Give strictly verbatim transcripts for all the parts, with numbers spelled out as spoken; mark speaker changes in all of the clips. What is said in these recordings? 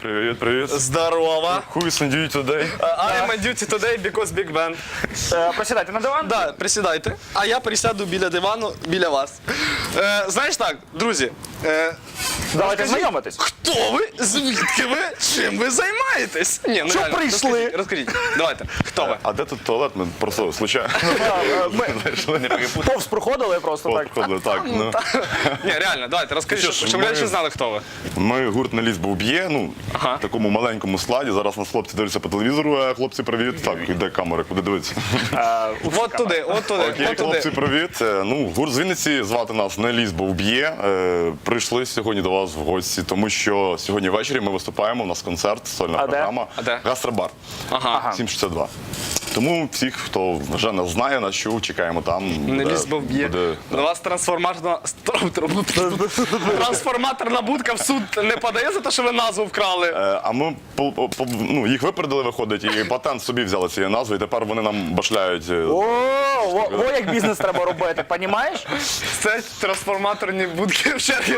Speaker 1: Привіт, привіт.
Speaker 2: Здорово.
Speaker 1: Who is on duty today?
Speaker 2: I am on duty today because big band.
Speaker 3: Е, Присідайте на диван.
Speaker 2: Да, присідайте. А я присяду біля дивану, біля вас. Е, знаєш так, друзі, е,
Speaker 3: Давайте
Speaker 2: розкажіть,
Speaker 3: знайомитись.
Speaker 2: Хто ви? Звідки ви? Чим ви займаєтесь? Ні, ну
Speaker 3: Що
Speaker 2: реально,
Speaker 3: прийшли?
Speaker 2: Розкажіть, розкажіть. Давайте, хто ви?
Speaker 1: А де тут туалет? Ми просто случайно
Speaker 3: Ми
Speaker 1: знайшли, не перепутали.
Speaker 3: повз проходили просто так.
Speaker 1: Походили, так. Ну.
Speaker 2: Ні, реально, давайте, розкажіть,
Speaker 1: Що ж,
Speaker 2: щоб щоб
Speaker 1: ми-
Speaker 2: глядачі знали, хто ви.
Speaker 1: Ми гурт «На ліс був б'є», ну,
Speaker 2: Ага.
Speaker 1: в такому маленькому складі. Зараз нас хлопці дивляться по телевізору, а хлопці, привіт. Так, іде камера, куди дивитися?
Speaker 2: От туди, от туди,
Speaker 1: Окей,
Speaker 2: от туди.
Speaker 1: хлопці, привіт. Е, Ну, гурт з Вінниці, звати нас «На ліс був б'є». Е, Прийшли сьогодні до вас в гості, тому що сьогодні ввечері ми виступаємо, у нас концерт, сольна
Speaker 3: А де?
Speaker 1: програма.
Speaker 2: А де?
Speaker 1: Гастробар.
Speaker 2: Ага.
Speaker 1: сім шістдесят два. Тому всіх, хто вже нас знає, нас чув, чекаємо там.
Speaker 2: Не
Speaker 1: буде-
Speaker 2: ліс був б'є.
Speaker 1: буде-
Speaker 2: До вас трансформаторна трансформаторна будка в суд не подає за те, що ви назву вкрали.
Speaker 1: Е, А ми по- по- по- ну, їх випередили, виходить, і патент собі взяли цією назвою, і тепер вони нам башляють. е,
Speaker 3: О, о, о, як бізнес треба робити, понімаєш?
Speaker 2: Це трансформаторні будки в чергі.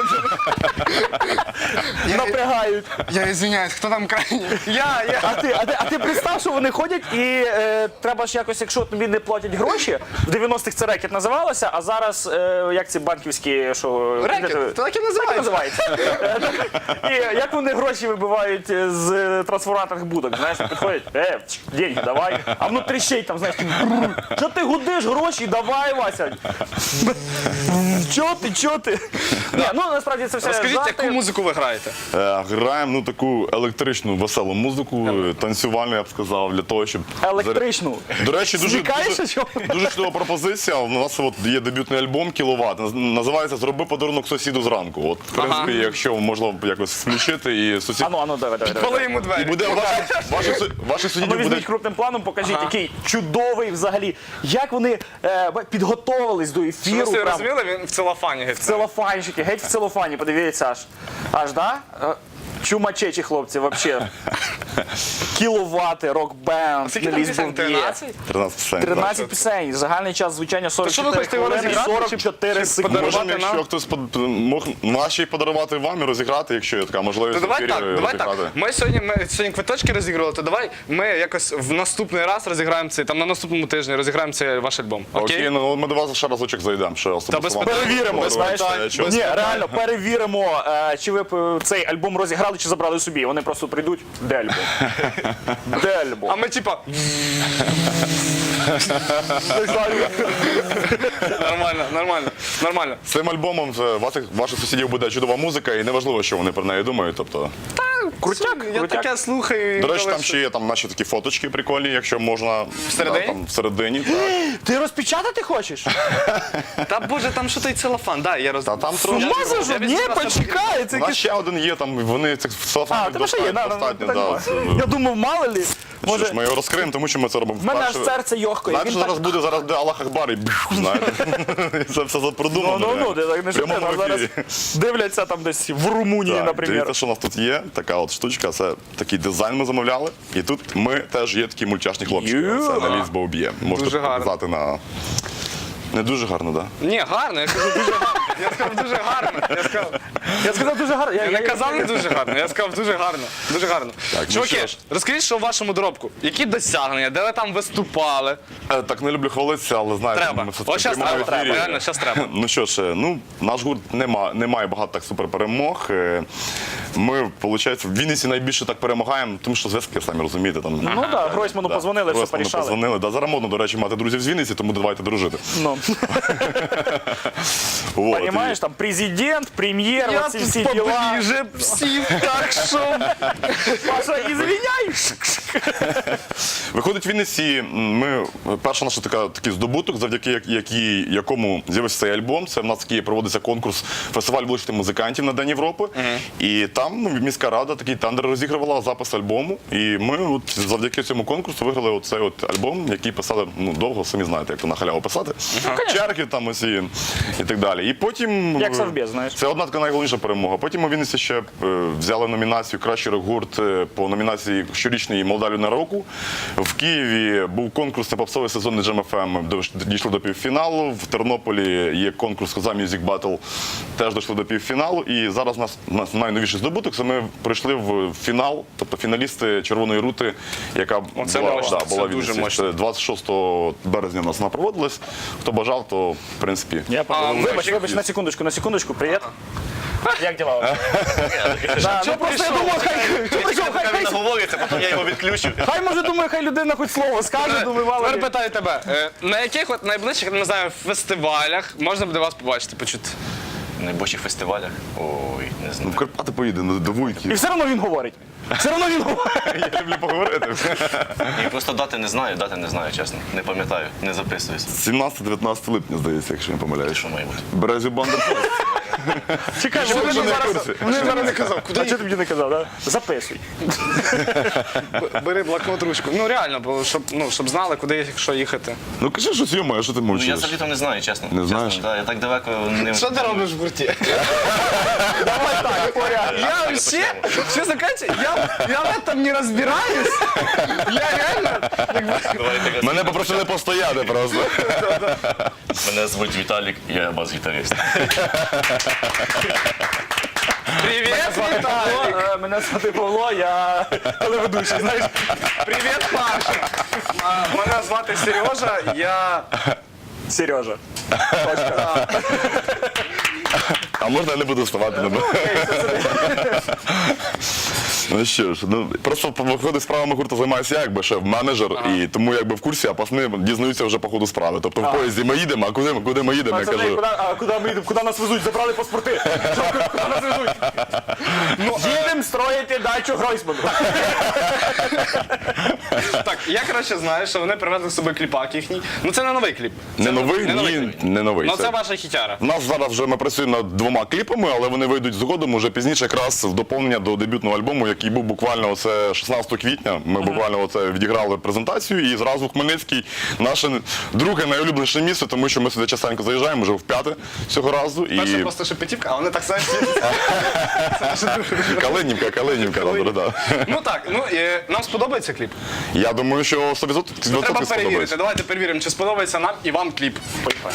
Speaker 3: Напрягають.
Speaker 2: Я извиняюсь, хто там крайній? Я, я.
Speaker 3: А ти, а ти, а ти представ, що вони ходять і е, треба ж якось, якщо тобі не платять гроші, в дев'яностих це рекет називалося, а зараз, е, як ці банківські, що...
Speaker 2: Рекет,
Speaker 3: де-
Speaker 2: то так і
Speaker 3: Так і
Speaker 2: називається.
Speaker 3: називається. І як вони гроші вибивають з трансформаторних будок, знаєш, підходять, е, деньги давай, а внутрі ще й там, знаєш, що ти гудиш гроші, давай, Вася. Чо ти, чо ти? Ні, ну насправді це все
Speaker 2: Розкажіть,
Speaker 3: жарти.
Speaker 2: яку музику ви граєте?
Speaker 1: Е, Граємо ну, таку електричну, веселу музику, е, танцювальну, я б сказав, для того, щоб...
Speaker 3: Електричну.
Speaker 1: До речі, дуже,
Speaker 3: Зникаєш,
Speaker 1: дуже,
Speaker 3: що?
Speaker 1: дуже чудова пропозиція. У нас от є дебютний альбом «Кіловат». Наз- Називається «Зроби подарунок сусіду зранку». От, в принципі, якщо можливо якось включити, і сусід...
Speaker 3: Ану, ану, давай, давай, давай.
Speaker 2: Коли йому
Speaker 1: І
Speaker 2: двері?
Speaker 1: буде ваше, ваше, су- ваше
Speaker 3: Ну,
Speaker 1: сусідів буде...
Speaker 3: візьміть крупним планом, покажіть, який чудовий взагалі. Як вони е, підготовились до
Speaker 2: Ви
Speaker 3: ефіру.
Speaker 2: собі
Speaker 3: Прям
Speaker 2: розуміли, він в целофані геть.
Speaker 3: целофанчики, геть в целофані, подивіться аж. Аж, да? Е, Чумачечі хлопці, вообще. Кіловати, рок-бенд,
Speaker 2: Скільки там
Speaker 3: «Ліс
Speaker 2: пісень?
Speaker 3: був б'є».
Speaker 2: тринадцять?
Speaker 1: тринадцять пісень.
Speaker 3: тринадцять пісень, загальний час звучання
Speaker 2: що ви
Speaker 3: сорок чотири
Speaker 2: хочете його
Speaker 3: хвилини,
Speaker 2: розіграти,
Speaker 3: сорок
Speaker 2: чи-
Speaker 3: чотири
Speaker 2: чи
Speaker 3: секунди.
Speaker 1: Можемо,
Speaker 2: подарувати
Speaker 1: якщо
Speaker 2: нам?
Speaker 1: хтось под- мог наші подарувати вам і розіграти, якщо є така можливість
Speaker 2: То давай
Speaker 1: в ефірі
Speaker 2: так, давай так.
Speaker 1: розіграти.
Speaker 2: Ми сьогодні, ми сьогодні квиточки розігрували, то давай ми якось в наступний раз розіграємо цей, там на наступному тижні розіграємо цей ваш альбом. Окей?
Speaker 1: Окей, ну ми до вас ще разочок зайдемо. Ще особисто
Speaker 2: без
Speaker 1: вам
Speaker 2: питань.
Speaker 3: Перевіримо,
Speaker 1: подарувати.
Speaker 3: знаєш.
Speaker 1: Е, чого?
Speaker 3: Ні, реально, перевіримо, е, чи ви б цей альбом розіграли, чи забрали собі. Вони просто прийдуть, де альбом? Де альбом?
Speaker 2: А ми типа
Speaker 3: Не знаю.
Speaker 2: нормально, нормально, нормально.
Speaker 1: З цим альбомом е, ваших, ваших сусідів буде чудова музика, і неважливо, що вони про неї думають. Тобто,
Speaker 3: Крутяк,
Speaker 2: Я
Speaker 3: крутяк.
Speaker 2: таке слухаю.
Speaker 1: до речі,
Speaker 2: коли
Speaker 1: там ще є там наші такі фоточки прикольні, якщо можна
Speaker 2: Всередині?
Speaker 1: да, там, всередині. Так.
Speaker 3: Ти розпечатати хочеш?
Speaker 2: Та боже, там що той целофан, да, я роз...
Speaker 1: Та там
Speaker 3: Ну,
Speaker 1: трошки.
Speaker 3: мазажу? Ні, почекай, це
Speaker 1: У нас
Speaker 3: якийсь...
Speaker 1: ще один є, там вони цих
Speaker 3: А,
Speaker 1: целофанів
Speaker 3: тебе ще є, на, на,
Speaker 1: достатньо.
Speaker 3: на,
Speaker 1: да,
Speaker 3: на,
Speaker 1: це-
Speaker 3: Я думав, мало лі.
Speaker 1: Що ж,
Speaker 3: Може,
Speaker 1: ми його розкриємо, тому що ми це робимо
Speaker 3: в мене аж
Speaker 1: вперше.
Speaker 3: серце йохкає.
Speaker 1: Знаєте,
Speaker 3: Він
Speaker 1: що зараз
Speaker 3: так...
Speaker 1: буде, зараз буде Аллах Акбар і бх, знаєте. Це все
Speaker 3: Ну,
Speaker 1: запродумано.
Speaker 3: ну, ну,
Speaker 1: реально.
Speaker 3: ти так не
Speaker 1: В прямому
Speaker 3: шути, нас зараз
Speaker 1: ефірі.
Speaker 3: дивляться там десь в Румунії,
Speaker 1: Так,
Speaker 3: наприклад.
Speaker 1: дивіться, що у нас тут є. Така от штучка, це такий дизайн ми замовляли. І тут ми теж є такі мультяшні хлопчики.
Speaker 3: Ю.
Speaker 1: Це на ліс б'є. Можете
Speaker 2: Дуже гарно.
Speaker 1: показати на... Не дуже гарно, так? Да?
Speaker 2: Ні, гарно, я кажу дуже гарно. Я сказав дуже гарно. Я сказав,
Speaker 3: Я сказав дуже гарно. Я,
Speaker 2: я не казав не дуже гарно, я сказав дуже гарно. Дуже гарно.
Speaker 1: Так, ну
Speaker 2: Чуваки,
Speaker 1: що ж.
Speaker 2: розкажіть, що в вашому доробку? Які досягнення, де ви там виступали?
Speaker 1: Е, Так не люблю хвалитися, але знаєте,
Speaker 2: Треба.
Speaker 1: ми все
Speaker 2: Ось щас треба,
Speaker 1: ефірі.
Speaker 2: треба, реально, щас треба.
Speaker 1: Ну що ж, е, ну, наш гурт не, ма, не має багато так суперперемог. Е, Ми, виходить, в Вінниці найбільше так перемагаємо, тому що зв'язки, самі розумієте. Там,
Speaker 3: Ну так, Гройсману позвонили, все
Speaker 1: Гройсману
Speaker 3: порішали.
Speaker 1: позвонили. Да, зараз модно, до речі, мати друзів з Вінниці, тому давайте дружити.
Speaker 3: Ну,
Speaker 1: Вот,
Speaker 3: понимаешь, там президент, прем'єр,
Speaker 2: Я
Speaker 3: оці
Speaker 2: тут
Speaker 3: всі діла.
Speaker 2: поближе всіх, так що...
Speaker 3: Паша, извиняй.
Speaker 1: Виходить, в Вінниці ми перша наша така такий здобуток, завдяки як- якій, якому з'явився цей альбом. Це в нас такий проводиться конкурс фестиваль вуличних музикантів на День Європи. І там ну, міська рада такий тендер розігрувала запис альбому. І ми от, завдяки цьому конкурсу виграли оцей от альбом, який писали ну довго, самі знаєте, як то на халяву писати. Черги там усі і так далі. І потім
Speaker 3: Як Совбез, знаєш.
Speaker 1: це одна така найголовніша перемога. Потім у Вінниці ще е, взяли номінацію Кращий рок-гурт е, по номінації щорічний молодий Алюна року. В Києві був конкурс на попсовий сезонний Джем еф ем, де дійшли до півфіналу. В Тернополі є конкурс Коза Music Battle, теж дійшли до півфіналу. І зараз у нас, у нас найновіший здобуток, це ми прийшли в фінал, тобто фіналісти Червоної рути, яка
Speaker 2: Оце
Speaker 1: була,
Speaker 2: мощно,
Speaker 1: да,
Speaker 2: це
Speaker 1: була в
Speaker 2: дуже
Speaker 1: Вінниці.
Speaker 2: мощно.
Speaker 1: Це двадцять шостого березня у нас вона проводилась. Хто бажав, то в принципі.
Speaker 3: Я подумав.
Speaker 2: ми
Speaker 3: Вибач,
Speaker 2: ще-
Speaker 3: вибач, на секундочку, на секундочку, привіт. Як діла? у вас? Да, ну просто я думаю, хай, чого прийшов, хай, хай,
Speaker 4: Наговориться, потім я його відключу.
Speaker 3: хай, може, думаю, хай людина хоч слово скаже, думаю, мало
Speaker 2: Тепер
Speaker 3: ли.
Speaker 2: питаю тебе, е, на яких от найближчих, не знаю, фестивалях можна буде вас побачити, почути?
Speaker 4: На найближчих фестивалях? Ой, не
Speaker 1: Ну,
Speaker 4: знаю.
Speaker 1: в Карпати поїде, ну, до
Speaker 3: І
Speaker 1: Вуйки.
Speaker 3: все одно він говорить. Все одно він говорить.
Speaker 1: Я люблю поговорити.
Speaker 4: І просто дати не знаю, дати не знаю, чесно. Не пам'ятаю, не записуюсь.
Speaker 1: сімнадцяте-дев'ятнадцяте липня, здається, якщо я не помиляюсь.
Speaker 4: Що має бути?
Speaker 1: Березю Бандер.
Speaker 3: Чекай,
Speaker 1: Що
Speaker 3: вони
Speaker 1: ви вже не в
Speaker 3: зараз,
Speaker 1: курсі?
Speaker 3: вони зараз не казав. Куди? А чого ти мені не казав, да? Записуй.
Speaker 2: Бери блокнот, ручку. Ну реально, бо щоб, ну, щоб знали, куди якщо їхати.
Speaker 1: Ну кажи щось, йомо, а що ти
Speaker 4: Ну, я
Speaker 1: мовчиш?
Speaker 4: взагалі-то не знаю, чесно.
Speaker 1: Не
Speaker 4: Чесно,
Speaker 1: знаєш?
Speaker 4: да, я так далеко не...
Speaker 2: Що ти робиш в гурті?
Speaker 3: Давай так, Боря.
Speaker 2: Я вообще, честно кажучи, я, я в этом не разбираюсь. Я реально...
Speaker 4: Давайте,
Speaker 1: Мене попросили постояти просто.
Speaker 4: Мене звуть Віталік, я бас-гітарист.
Speaker 2: Привет, Виталик.
Speaker 3: Павло, е, Мене звати Павло, я телеведучий, знаєш.
Speaker 2: Привет, Паша. А, Мене звати Сережа, я...
Speaker 3: Сережа.
Speaker 1: А можна я не буду вставати? Не буду? Ну що ж, ну просто по ходу справами гурту займаюся я, якби шеф менеджер, і тому якби в курсі, а пасни дізнаються вже по ходу справи. Тобто в поїзді ми їдемо, а куди, куди ми їдемо, я
Speaker 3: Пацани,
Speaker 1: кажу.
Speaker 3: куди, а куди ми їдемо? Куди нас везуть? Забрали паспорти. Що, куди нас везуть? Їдемо строїти дачу Гройсману.
Speaker 2: Так, я краще знаю, що вони привезли з собою кліпак їхній. Ну це не новий кліп. Це
Speaker 1: Не новий?
Speaker 2: Не новий
Speaker 1: Ні,
Speaker 2: кліп.
Speaker 1: не новий.
Speaker 2: Ну
Speaker 1: Це-
Speaker 2: це ваша хітяра.
Speaker 1: У нас зараз вже ми працюємо над двома кліпами, але вони вийдуть згодом уже пізніше, якраз в доповнення до дебютного альбому, який був буквально оце шістнадцятого квітня. Ми буквально оце відіграли презентацію, і зразу в Хмельницький наше друге найулюбленіше місце, тому що ми сюди частенько заїжджаємо, вже в п'яте цього разу.
Speaker 2: Перше
Speaker 1: І
Speaker 2: просто Шепетівка, а вони так самі.
Speaker 1: Калинівка, Калинівка, добре, да.
Speaker 2: Ну так, ну е, нам сподобається кліп.
Speaker 1: Я думаю, що сто відсотків
Speaker 2: Треба перевірити.
Speaker 1: сподобається.
Speaker 2: Давайте перевіримо, чи сподобається нам і вам кліп. Поїхали.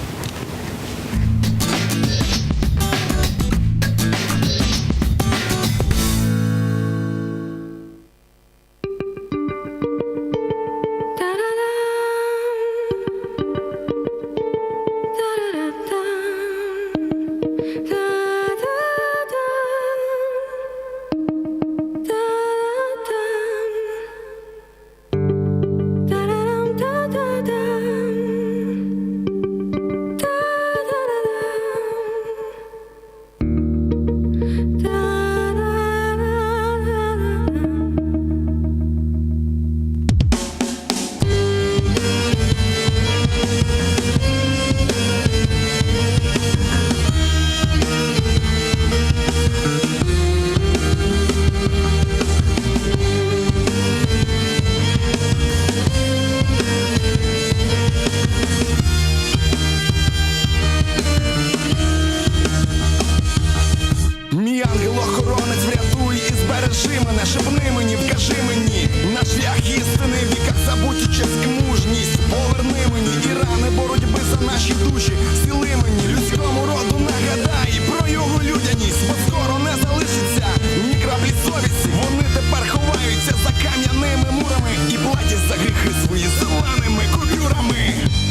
Speaker 5: Мій ангел-охоронець, врятуй і збережи мене, шепни мені, вкажи мені на шлях істини, в віках забуті честь і мужність. Поверни мені і рани боротьби за наші душі. Зціли мені людському роду, нагадай про його людяність, бо скоро не залишиться ні краплі совісті. Вони тепер ховаються за кам'яними мурами і платять за гріхи свої зеленими купюрами.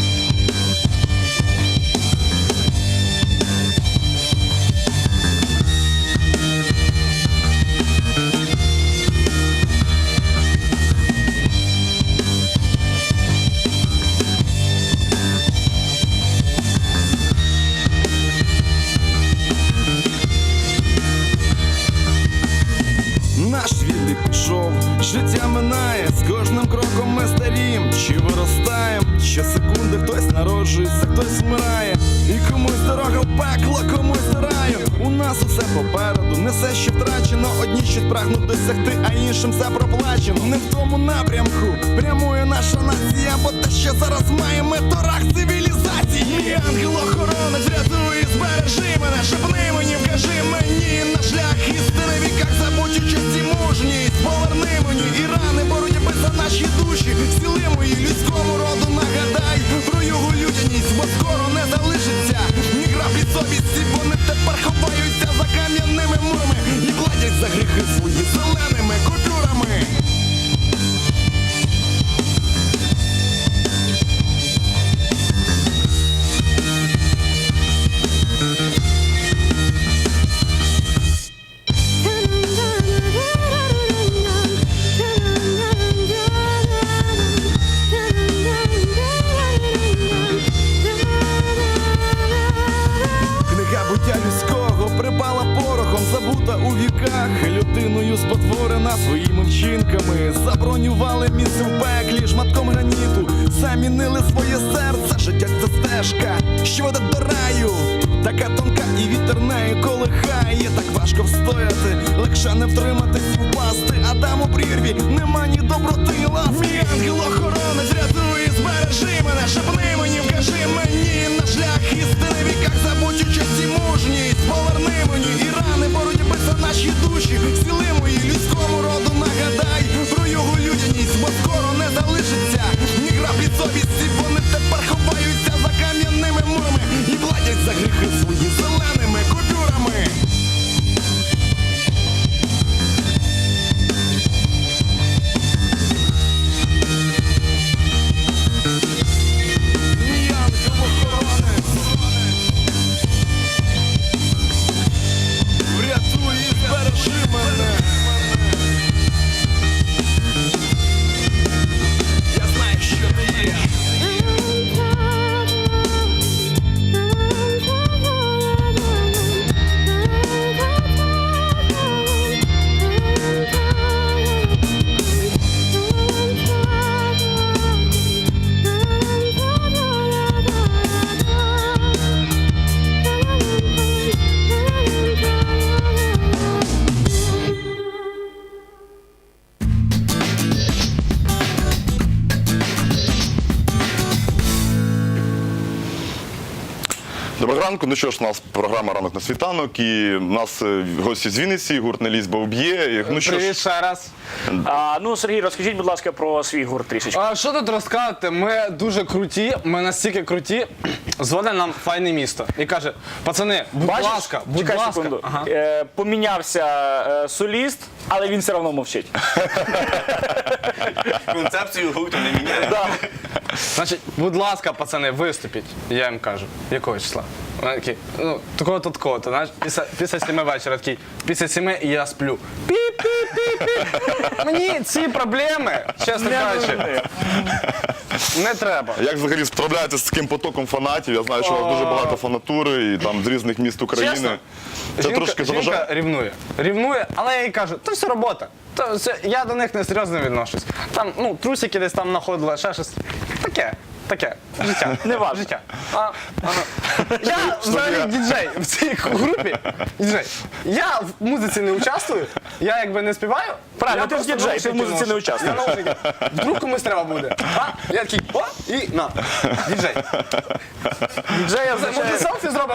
Speaker 5: Наш вільний пішов, життя минає, з кожним кроком ми старієм, чи виростаєм, щосекунди хтось народжується, хтось вмирає, і комусь дорога в пекло, комусь до раю. У нас усе попереду, не все ще втрачено, одні щось прагнуть досягти, а іншим все проплачено. Не в тому напрямку прямує наша нація, бо те, що зараз маємо, то рах цивілізації. Мій ангел-охоронець, врятуй і збережи мене, шепни мені, вкажи мені на шлях істини, в віках забуті честь і мужність. Поверни мені і рани боротьби душі, сили мої людському роду нагадай про його людяність, бо скоро не залишиться ні краплі совісті, вони тепер ховаються за кам'яними мурами і платять за гріхи свої зеленими купюрами. Книга буття людського припала порохом, забута у віках, людиною спотворена своїми вчинками. Забронювали місце в пеклі шматком граніту, замінили своє серце, життя це стежка, що веде до раю, така тонка і вітер нею колихає. Так важко встояти, легше не втриматись, впасти, а там у прірві нема ні доброти лав. Мій ангел-охоронець, рятуй, збережи мене, шепни мені, вкажи мені на шлях істини, в віках забудь участь і мужність, поверни мені і рани боротьби за наші душі, сили мої людському роду нагадай про його людяність, бо скоро не залишиться ні краплі совісті, вони тепер ховаються за кам'яними мурами і платять за гріхи свої зеленими купюрами. Мій ангел-охоронець, врятуй і збережи мене. Я знаю, що ти є.
Speaker 1: Доброго ранку. Ну що ж, у нас програма «Ранок на світанок» і у нас е, гості з Вінниці, гурт «Не лізь, бо вб'є». І, Ну що
Speaker 2: Привіт
Speaker 1: ж,
Speaker 2: ще раз.
Speaker 3: А, ну, Сергій, розкажіть, будь ласка, про свій гурт трішечки.
Speaker 2: А що тут розказати? Ми дуже круті, ми настільки круті. Дзвонить нам файне місто і каже: пацани, будь
Speaker 3: Бачиш?
Speaker 2: ласка, будь
Speaker 3: Чекай
Speaker 2: ласка.
Speaker 3: секунду.
Speaker 2: Ага.
Speaker 3: Е, помінявся е, соліст, але він все одно мовчить.
Speaker 4: Концепцію гурту не міняє.
Speaker 3: Да.
Speaker 2: Значить, будь ласка, пацани, виступіть. Я їм кажу, якого числа? Вони такі, ну, такого-то, такого-то, знаєш, після, після сіми вечора такий, після сіми і я сплю. Пі-пі-пі-пі. Мені ці проблеми, чесно кажучи, не треба.
Speaker 1: як взагалі справляєтесь з таким потоком фанатів? Я знаю, що у вас дуже багато фанатури і там з різних міст України.
Speaker 2: Чесно?
Speaker 1: Це
Speaker 2: Жінка,
Speaker 1: трошки
Speaker 2: жінка
Speaker 1: заважає.
Speaker 2: рівнує. Рівнує, але я їй кажу, то все робота. То все, я до них не серйозно відношусь. Там, ну, трусики десь там знаходила, ще щось. Таке, таке. Життя.
Speaker 3: Не важно.
Speaker 2: Життя. А, ага. Я взагалі діджей в цій групі. Діджей. Я в музиці не участвую, я якби не співаю.
Speaker 3: Правильно,
Speaker 2: я
Speaker 3: ти ж
Speaker 2: просто
Speaker 3: діджей, ти в
Speaker 2: наушники
Speaker 3: музиці не
Speaker 2: ношу.
Speaker 3: участвуєш.
Speaker 2: Я наушники. Вдруг комусь треба буде. А? Я такий, о, і на. Діджей.
Speaker 3: Діджея
Speaker 2: Може,
Speaker 3: означає...
Speaker 2: селфі зробимо?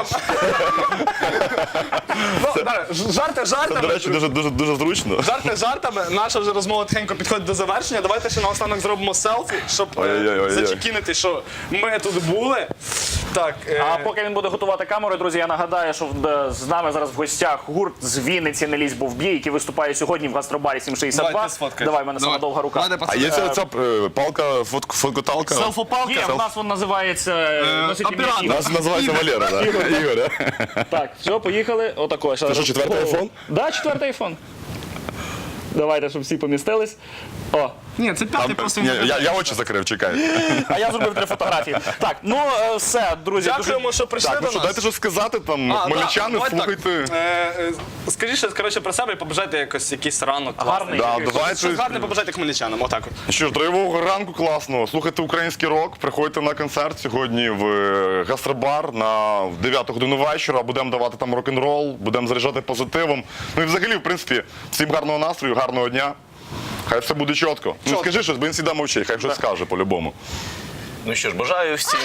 Speaker 2: Ну, добре, ж- жарти
Speaker 1: Це, до
Speaker 2: жартами.
Speaker 1: речі, дуже, дуже, дуже зручно.
Speaker 2: Жарти жартами. Наша вже розмова тихенько підходить до завершення. Давайте ще наостанок зробимо селфі, щоб е,
Speaker 1: Ой-ой-ой-ой-ой.
Speaker 2: зачекінити, що ми тут були. Так, е,
Speaker 3: А поки він буде готувати камеру, друзі, я нагадаю, що в- з нами зараз в гостях гурт з Вінниці «Не лізь, бо вб'є», який виступає сьогодні в гастробарі сім шістдесят два.
Speaker 2: Давай, ти сфоткаєш.
Speaker 3: Давай, в мене сама довга рука.
Speaker 2: Давайте,
Speaker 1: А
Speaker 2: пацани.
Speaker 1: є ця, ця е, палка, фотк, фоткоталка?
Speaker 2: Селфопалка.
Speaker 3: Є, в нас він називається е, носить ім'я
Speaker 2: оператор.
Speaker 3: Ігор.
Speaker 1: Нас називається Валера, так? Ігор.
Speaker 3: Так, все, поїхали. Отако.
Speaker 1: Це що, четвертий айфон?
Speaker 3: Да, четвертий айфон. Давайте, щоб всі помістились. О,
Speaker 2: Ні, це п'ятий просто.
Speaker 1: Ні, я, я очі закрив, чекай.
Speaker 3: а я зробив три фотографії. Так, ну е, все, друзі.
Speaker 2: Дякуємо, що прийшли
Speaker 1: Так, ну
Speaker 2: до
Speaker 1: що,
Speaker 2: нас.
Speaker 1: дайте щось сказати там,
Speaker 2: А,
Speaker 1: хмельничани,
Speaker 2: да, давайте
Speaker 1: слухайте.
Speaker 2: так. Е, е, Скажіть щось, коротше, про себе і побажайте якось якийсь ранок.
Speaker 3: Гарний.
Speaker 2: класний.
Speaker 1: Да, давайте.
Speaker 2: Щось гарне побажайте хмельничанам, отак от.
Speaker 1: Що ж, тривогого ранку класно. Слухайте український рок, приходьте на концерт сьогодні в е, гастробар на дев'яту годину вечора. Будемо давати там рок-н-рол, будемо заряджати позитивом. Ну і взагалі, в принципі, всім гарного настрою, гарного дня. Хай все буде чітко. Ну
Speaker 2: Чітко.
Speaker 1: скажи щось, бо він завжди мовчить, хай щось скаже по-любому.
Speaker 4: Ну що ж, бажаю всім.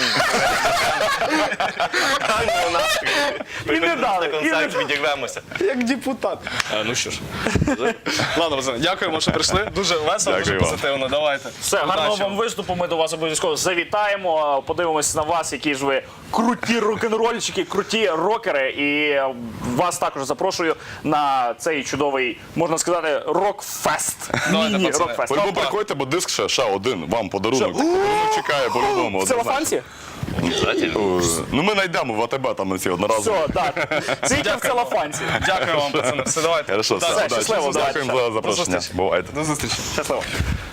Speaker 4: Гарного настрою. Приходьте
Speaker 3: дали,
Speaker 4: на
Speaker 3: і не
Speaker 4: концерт, відірвемося.
Speaker 2: Як депутат. Е, ну що ж. Ладно, пацани, дякуємо, що прийшли. Дуже весело, дуже
Speaker 1: Дякую вам.
Speaker 2: позитивно. Давайте.
Speaker 3: Все, гарного
Speaker 2: Удачі
Speaker 3: вам виступу. Ми до вас обов'язково завітаємо. Подивимось на вас, які ж ви круті рок-н-рольщики, круті рокери. І вас також запрошую на цей чудовий, можна сказати, рок-фест.
Speaker 2: Давайте,
Speaker 3: Міні
Speaker 2: пацани.
Speaker 3: рок-фест.
Speaker 1: По-любому приходьте, бо диск ще, ще один, вам подарунок. Подарунок чекає по-любому.
Speaker 3: В
Speaker 1: однозначно.
Speaker 3: целофанці?
Speaker 4: Обязательно.
Speaker 1: Е, Ну ми знайдемо в АТБ там ці одноразові.
Speaker 3: Все, так. Тільки в целофанці.
Speaker 2: Дякую вам, пацани. Все, давайте.
Speaker 1: Хорошо,
Speaker 2: Удачі.
Speaker 1: все,
Speaker 3: Все,
Speaker 1: удачі.
Speaker 3: щасливо,
Speaker 1: Дякуємо
Speaker 3: давайте.
Speaker 1: за запрошення.
Speaker 2: зустрічі.
Speaker 1: Бувайте.
Speaker 2: До зустрічі.
Speaker 3: Щасливо.